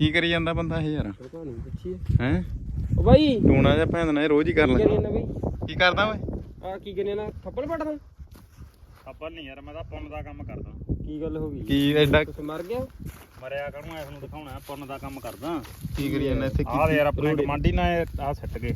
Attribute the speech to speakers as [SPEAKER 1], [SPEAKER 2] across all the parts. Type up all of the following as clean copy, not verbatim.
[SPEAKER 1] ਕੀ ਕਰੀ ਜਾਂਦਾ ਬੰਦਾ ਇਹ ਯਾਰ
[SPEAKER 2] ਪਤਾ ਨਹੀਂ ਪੁੱਛੀਏ
[SPEAKER 1] ਹੈ
[SPEAKER 2] ਓ ਬਾਈ
[SPEAKER 1] ਟੂਣਾ ਜਿਹਾ ਭੈਣ ਨਾਲ ਰੋਜ਼ ਹੀ ਕਰ
[SPEAKER 2] ਕਰੀ
[SPEAKER 1] ਲੈ
[SPEAKER 2] ਨਾ ਬਾਈ
[SPEAKER 1] ਕੀ ਕਰਦਾ ਓਏ
[SPEAKER 2] ਆ ਕੀ ਕਰੀ ਨਾ ਥੱਪੜ ਪੜਦਾ
[SPEAKER 3] ਥੱਪੜ ਨਹੀਂ ਯਾਰ ਮੈਂ ਤਾਂ ਪੁੰਨ ਦਾ ਕੰਮ ਕਰਦਾ
[SPEAKER 2] ਕੀ ਗੱਲ ਹੋ ਗਈ
[SPEAKER 1] ਕੀ ਐਡਾ
[SPEAKER 2] ਕੁਛ ਮਰ ਗਿਆ
[SPEAKER 3] ਮਰਿਆ ਕਰੂੰ ਇਸ ਨੂੰ ਦਿਖਾਉਣਾ ਪੁੰਨ ਦਾ ਕੰਮ ਕਰਦਾ
[SPEAKER 1] ਕੀ ਕਰੀ ਜਾਂਦਾ ਇੱਥੇ
[SPEAKER 3] ਆਹ ਯਾਰ ਆਪਣੇ ਕਮਾਂਡੀ ਨਾਲ ਆਹ ਸਿੱਟ ਗਏ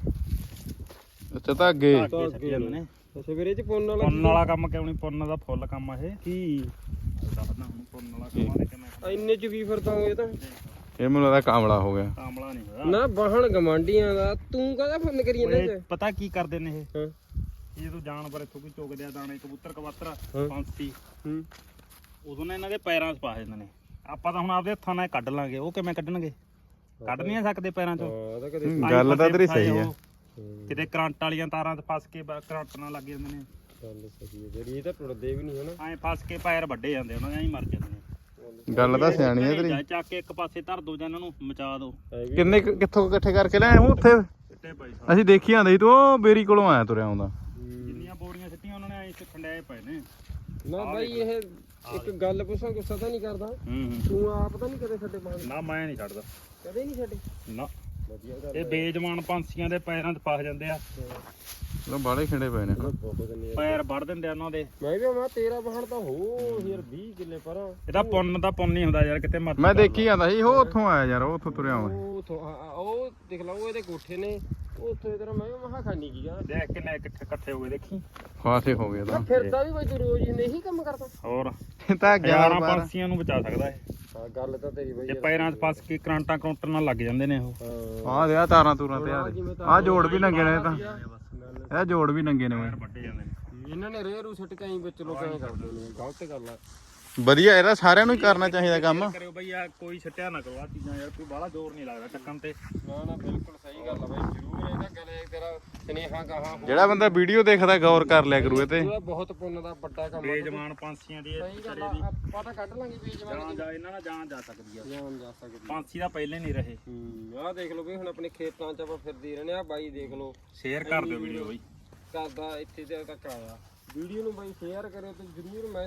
[SPEAKER 1] ਅੱਛਾ ਤਾਂ ਅੱਗੇ
[SPEAKER 3] ਧਾਗੇ ਸਿੱਟ ਜਾਂਦੇ ਨੇ
[SPEAKER 2] ਅੱਛਾ ਵੀਰੇ ਚ ਪੁੰਨ ਵਾਲਾ
[SPEAKER 3] ਪੁੰਨ ਵਾਲਾ ਕੰਮ ਕਿਉਂ ਨਹੀਂ ਪੁੰਨ ਦਾ ਫੁੱਲ ਕੰਮ ਆ ਇਹ
[SPEAKER 2] ਕੀ
[SPEAKER 3] ਦੱਸਦਾ ਹੁਣ ਪੁੰਨ ਵਾਲਾ ਕੰਮ ਆ ਕਿਵੇਂ
[SPEAKER 2] ਇੰਨੇ ਚ ਕੀ ਫਿਰਦਾ ਹੋਏ ਤਾਂ
[SPEAKER 1] ਇਹ ਮੈਨੂੰ ਲੱਗਦਾ ਕਾਮਲਾ ਹੋ ਗਿਆ
[SPEAKER 3] ਕਾਮਲਾ ਨਹੀਂ ਹੋਇਆ
[SPEAKER 2] ਨਾ ਬਾਹਣ ਗਮਾਂਡੀਆਂ ਦਾ ਤੂੰ ਕਾਹਦਾ ਫੋਨ ਕਰੀ ਜਾਂਦਾ
[SPEAKER 3] ਓਏ,
[SPEAKER 2] ਚ
[SPEAKER 3] ਪਤਾ ਕੀ ਕਰਦੇ ਨੇ ਇਹ
[SPEAKER 2] ਹਾਂ
[SPEAKER 3] ਇਹ ਤੋਂ ਜਾਨਵਰ ਇੱਥੋਂ ਕੋਈ ਚੁਗਦੇ ਆ ਦਾਣੇ ਕਬੂਤਰ ਕਬੂਤਰ
[SPEAKER 2] ਹਾਂ।
[SPEAKER 3] ਪੰਛੀ
[SPEAKER 2] ਹੂੰ
[SPEAKER 3] ਉਦੋਂ ਨਾ ਇਹਨਾਂ ਦੇ ਪੈਰਾਂ 'ਚ ਪਾ ਜਾਂਦੇ ਨੇ ਆਪਾਂ ਤਾਂ ਹੁਣ ਆਪਦੇ ਹੱਥਾਂ ਨਾਲ ਕੱਢ ਲਾਂਗੇ ਉਹ ਕਿਵੇਂ ਕੱਢਣਗੇ ਕੱਢ ਨਹੀਂ ਸਕਦੇ ਪੈਰਾਂ 'ਚੋਂ
[SPEAKER 2] ਹਾਂ ਉਹਦਾ ਕਦੇ
[SPEAKER 1] ਗੱਲ ਤਾਂ ਤੇਰੀ ਸਹੀ ਆ
[SPEAKER 3] ਕਿਤੇ ਕਰੰਟ ਵਾਲੀਆਂ ਤਾਰਾਂ 'ਚ ਫਸ ਕੇ ਕਰੰਟ ਨਾਲ ਲੱਗ ਜਾਂਦੇ ਨੇ
[SPEAKER 2] ਗੱਲ ਸਹੀ ਹੈ ਜਿਹੜੀ ਇਹ ਤਾਂ ਟੁੱਟਦੇ ਵੀ ਨਹੀਂ ਹਨਾ
[SPEAKER 3] ਐਂ ਫਸ ਕੇ ਪੈਰ ਵੱਡੇ ਜਾਂਦੇ ਉਹਨਾਂ ਦੇ ਐਂ ਹੀ ਮਰ ਜਾਂਦੇ ਨੇ
[SPEAKER 1] ਗੱਲ ਤਾਂ ਸਿਆਣੀ ਆ ਤੇਰੀ
[SPEAKER 3] ਜਾਂ ਚੱਕ ਕੇ ਇੱਕ ਪਾਸੇ ਧਰ ਦੋ ਜਾਂ ਇਹਨਾਂ ਨੂੰ ਮਚਾ ਦੋ
[SPEAKER 1] ਕਿੰਨੇ ਕਿੱਥੋਂ ਇਕੱਠੇ ਕਰਕੇ ਲੈ ਆਏ ਉੱਥੇ
[SPEAKER 3] ਸਿੱਟੇ ਪਏ
[SPEAKER 1] ਅਸੀਂ ਦੇਖੀ ਆਂਦੇ ਸੀ ਤੂੰ ਉਹ ਬੇਰੀ ਕੋਲੋਂ ਆਇਆ ਤੁਰਿਆ ਆਉਂਦਾ
[SPEAKER 3] ਜਿੰਨੀਆਂ ਬੋਰੀਆਂ ਸਿੱਟੀਆਂ ਉਹਨਾਂ ਨੇ ਐਂ ਖੰਡਿਆਏ ਪਏ ਨੇ
[SPEAKER 2] ਨਾ ਬਾਈ ਇਹ ਇੱਕ ਗੱਲ ਪੁੱਛਾਂ ਗੁੱਸਾ ਤਾਂ ਨਹੀਂ ਕਰਦਾ
[SPEAKER 3] ਹੂੰ
[SPEAKER 2] ਤੂੰ ਆਪ ਤਾਂ ਨਹੀਂ ਕਦੇ ਛੱਡੇ ਬਾਹਣ
[SPEAKER 3] ਨਾ ਮੈਂ ਨਹੀਂ ਛੱਡਦਾ
[SPEAKER 2] ਕਦੇ ਨਹੀਂ ਛੱਡੇ
[SPEAKER 3] ਨਾ
[SPEAKER 2] ਵਧੀਆ ਗੱਲ
[SPEAKER 3] ਇਹ ਬੇਜਮਾਨ ਪੰਛੀਆਂ ਦੇ ਪੈਰਾਂ 'ਚ ਫਸ ਜਾਂਦੇ ਆ
[SPEAKER 1] ਉਹ ਬਾਲੇ ਖਿੰਡੇ ਪਏ ਨੇ
[SPEAKER 2] ਬਹੁਤ ਨੇ
[SPEAKER 3] ਪੈਰ ਵੜ ਦਿੰਦੇ ਆ ਉਹਨਾਂ ਦੇ
[SPEAKER 2] ਮੈਂ ਵੀ ਮੈਂ ਤੇਰਾ ਬਾਹਣ ਤਾਂ ਹੋ ਯਾਰ 20 ਕਿੱਲੇ ਪਰਾਂ
[SPEAKER 3] ਇਹਦਾ ਪੁੰਨ ਦਾ ਪੁੰਨ ਨਹੀਂ ਹੁੰਦਾ ਯਾਰ ਕਿਤੇ ਮਰ
[SPEAKER 1] ਮੈਂ ਦੇਖੀ ਆਂਦਾ ਸੀ ਉਹ ਉੱਥੋਂ ਆਇਆ ਯਾਰ ਉਹ ਉੱਥੋਂ ਤੁਰਿਆ ਆਉਂਦਾ
[SPEAKER 2] ਉਹ ਉੱਥੋਂ ਉਹ ਦੇਖ ਲਾ ਉਹ ਇਹਦੇ ਕੋਠੇ ਨੇ ਉਹ ਉੱਥੋਂ ਇਧਰ ਮੈਂ ਮਹਾ ਖਾਨੀ ਕੀ ਆ
[SPEAKER 3] ਦੇਖ ਕਿੰਨੇ ਇਕੱਠੇ ਹੋ ਗਏ ਦੇਖੀ
[SPEAKER 1] ਫਾਸੇ ਹੋ ਗਏ ਤਾਂ
[SPEAKER 2] ਫਿਰਦਾ ਵੀ ਬਾਈ ਤੂੰ ਰੋਜ਼ ਹੀ ਨਹੀਂ ਕੰਮ ਕਰਦਾ
[SPEAKER 3] ਹੋਰ
[SPEAKER 1] ਇਹ ਤਾਂ
[SPEAKER 3] 11 ਪੰਛੀਆਂ ਨੂੰ ਬਚਾ ਸਕਦਾ ਇਹ
[SPEAKER 2] ਹਾਂ ਗੱਲ ਤਾਂ ਤੇਰੀ ਬਾਈ
[SPEAKER 3] ਜੇ ਪੈਰਾਂ 'ਚ ਫਸ ਕੇ ਕਰੰਟਾਂ ਕਰੰਟਰ ਨਾਲ ਲੱਗ ਜਾਂਦੇ ਨੇ ਉਹ
[SPEAKER 1] ਆਹ ਦੇ ਆ ਤਾਰਾਂ ਤੂਰਾਂ ਤੇ ਆ ਜੋੜ ਵੀ ਨੰਗੇ ਨੇ ਇਹ ਤਾਂ ਇਹ ਜੋੜ ਵੀ ਨੰਗੇ ਨੇ ਓਏ
[SPEAKER 3] ਵੱਡੇ ਜਾਂਦੇ ਨੇ
[SPEAKER 2] ਇਹਨਾਂ ਨੇ ਰੇਰੂ ਸਿੱਟ ਕੇ ਆਈ ਵਿੱਚ ਲੋਕਾਂ ਨੇ ਕਰਦੇ ਨੇ ਗਲਤ ਗੱਲ ਆ
[SPEAKER 1] ਵਧੀਆ ਇਹਦਾ ਸਾਰਿਆਂ ਨੂੰ ਹੀ ਕਰਨਾ ਚਾਹੀਦਾ ਕੰਮ
[SPEAKER 3] ਕਰਿਓ ਬਈ ਆ ਕੋਈ ਛੱਟਿਆ ਨਾ ਕਰੋ ਆ ਚੀਜ਼ਾਂ ਯਾਰ ਕੋਈ ਬਾਹਲਾ ਜ਼ੋਰ ਨਹੀਂ ਲੱਗਦਾ ਚੱਕਣ ਤੇ
[SPEAKER 2] ਨਾ ਨਾ ਬਿਲਕੁਲ ਸਹੀ ਗੱਲ ਆ ਬਾਈ ਜ਼ਰੂਰ ਇਹਦਾ ਗਲੇ ਤੇਰਾ ਸਨੇਹਾ ਗਾਹਾਂ
[SPEAKER 1] ਜਿਹੜਾ ਬੰਦਾ ਵੀਡੀਓ ਦੇਖਦਾ ਗੌਰ ਕਰ ਲਿਆ ਕਰੂ ਇਹ ਤੇ
[SPEAKER 2] ਉਹਦਾ ਬਹੁਤ ਪੁੰਨ ਦਾ ਵੱਡਾ ਕੰਮ ਆ
[SPEAKER 3] ਬੇਜਮਾਨ ਪੰਛੀਆਂ ਦੀ
[SPEAKER 2] ਸਹੀ ਗੱਲ ਆ ਆਪਾਂ ਤਾਂ ਕੱਢ ਲਾਂਗੇ ਬੇਜਮਾਨ
[SPEAKER 3] ਜਾਨ ਜਾ ਇਹਨਾਂ ਨਾਲ ਜਾਨ ਜਾ ਸਕਦੀ ਆ
[SPEAKER 2] ਜਾਨ ਜਾ ਸਕਦੀ
[SPEAKER 3] ਪੰਛੀ ਦਾ ਪਹਿਲੇ ਨਹੀਂ ਰਹੇ
[SPEAKER 2] ਆਹ ਦੇਖ ਲਓ ਵੀ ਹੁਣ ਆਪਣੇ ਖੇਤਾਂ 'ਚ ਆਪਾਂ ਫਿਰਦੇ ਰਹਿੰਦੇ ਆ ਬਾਈ ਦੇਖ ਲਓ
[SPEAKER 3] ਸ਼ੇਅਰ ਕਰ ਦਿਓ ਵੀਡੀਓ ਬਈ
[SPEAKER 2] ਕਰਦਾ ਇੱਥੇ ਤੱਕ ਆਇਆ ਵੀਡੀਓ ਨੂੰ ਬਾਈ ਸ਼ੇਅਰ ਕਰਿਓ ਤੇ ਜ਼ਰੂਰ ਮੈਂ